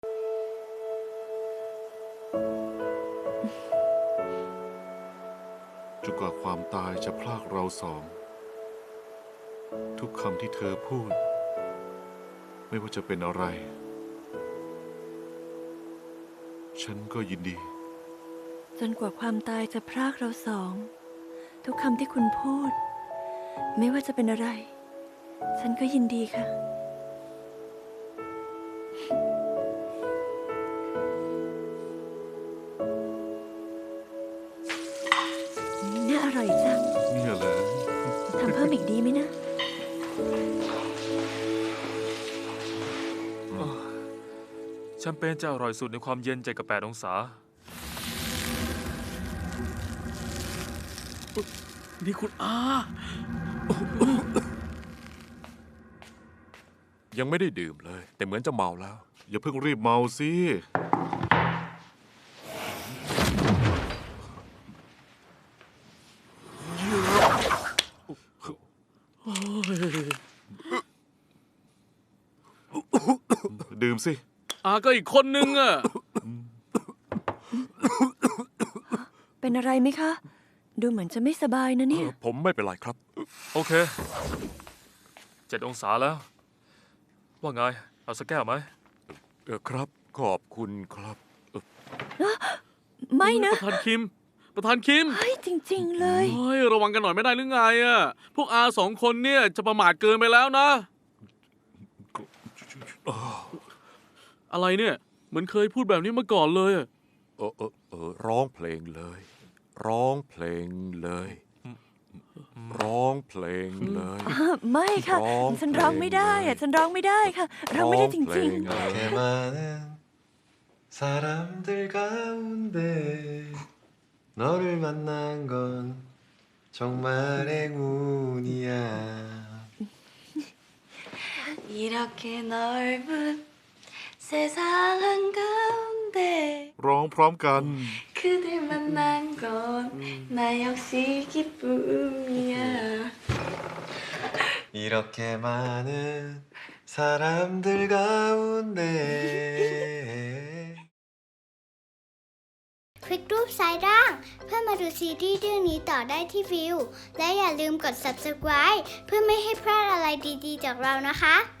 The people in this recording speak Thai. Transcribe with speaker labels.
Speaker 1: จนกว่าความตายจะพรากเราสอง ทุกคำที่เธอพูด ไม่ว่าจะเป็นอะไร ฉันก็ยินดี
Speaker 2: จนกว่าความตายจะพรากเราสอง ทุกคำที่คุณพูด ไม่ว่าจะเป็นอะไร ฉันก็ยินดีค่ะ น่าอร่อยจัง
Speaker 1: เนี่ยแหละ
Speaker 2: ทำเพิ่มอีกดีไหมนะ
Speaker 3: แชมเปญจะอร่อยสุดในความเย็น7 กับ 8 องศา
Speaker 4: นี่คุณอา
Speaker 5: ยังไม่ได้ดื่มเลย แต่เหมือนจะเมาแล้ว
Speaker 1: อย่าเพิ่งรีบเมาสิ ดื่มสิ
Speaker 4: อาก็อีกคนนึงอ่ะ
Speaker 2: เป็นอะไรไหมคะ ดูเหมือนจะไม่สบายนะเนี่ย
Speaker 5: ผมไม่เป็นไรครับ
Speaker 3: โอเค 7 องศาแล้ว ว่าไง เอาสักแก้วไหม
Speaker 5: ครับ ขอบคุณครับ
Speaker 2: ไม่นะ
Speaker 4: ประธานคิม ประธานคิม
Speaker 2: เฮ้ยจริง ๆ เลย
Speaker 4: เฮ้ยระวังกันหน่อยไม่ได้หรือไงอ่ะ พวกอา2 คนเนี่ยจะประมาทเกินไปแล้วนะ อะไรเนี่ย เหมือนเคยพูดแบบนี้มาก่อนเลยอะ
Speaker 5: ร้องเพลงเลย ร้องเพลงเลย ร้องเพลงเลย
Speaker 2: ไม่ค่ะ
Speaker 5: ร้อง
Speaker 2: ฉันร้องไม่ได้อะฉันร้องไม่ได้ค่ะ ร้องไม่ได้จริง
Speaker 5: ร้อเพลเลย
Speaker 6: 이렇게 많은 사람들 가운데 너를 만난 건 정말 행운이야.
Speaker 7: 이렇게 넓은 세상 한가운데
Speaker 1: ร้องพร้อมกัน
Speaker 7: 그댈 만난 건 나 역시 기쁨이야.
Speaker 6: 이렇게 많은 사람들 가운데
Speaker 8: คลิกรูปซ้ายล่าง เพื่อมาดูซีรีส์เรื่องนี้ต่อได้ที่วิว และอย่าลืมกด subscribe เพื่อไม่ให้พลาดอะไรดีๆจากเรานะคะ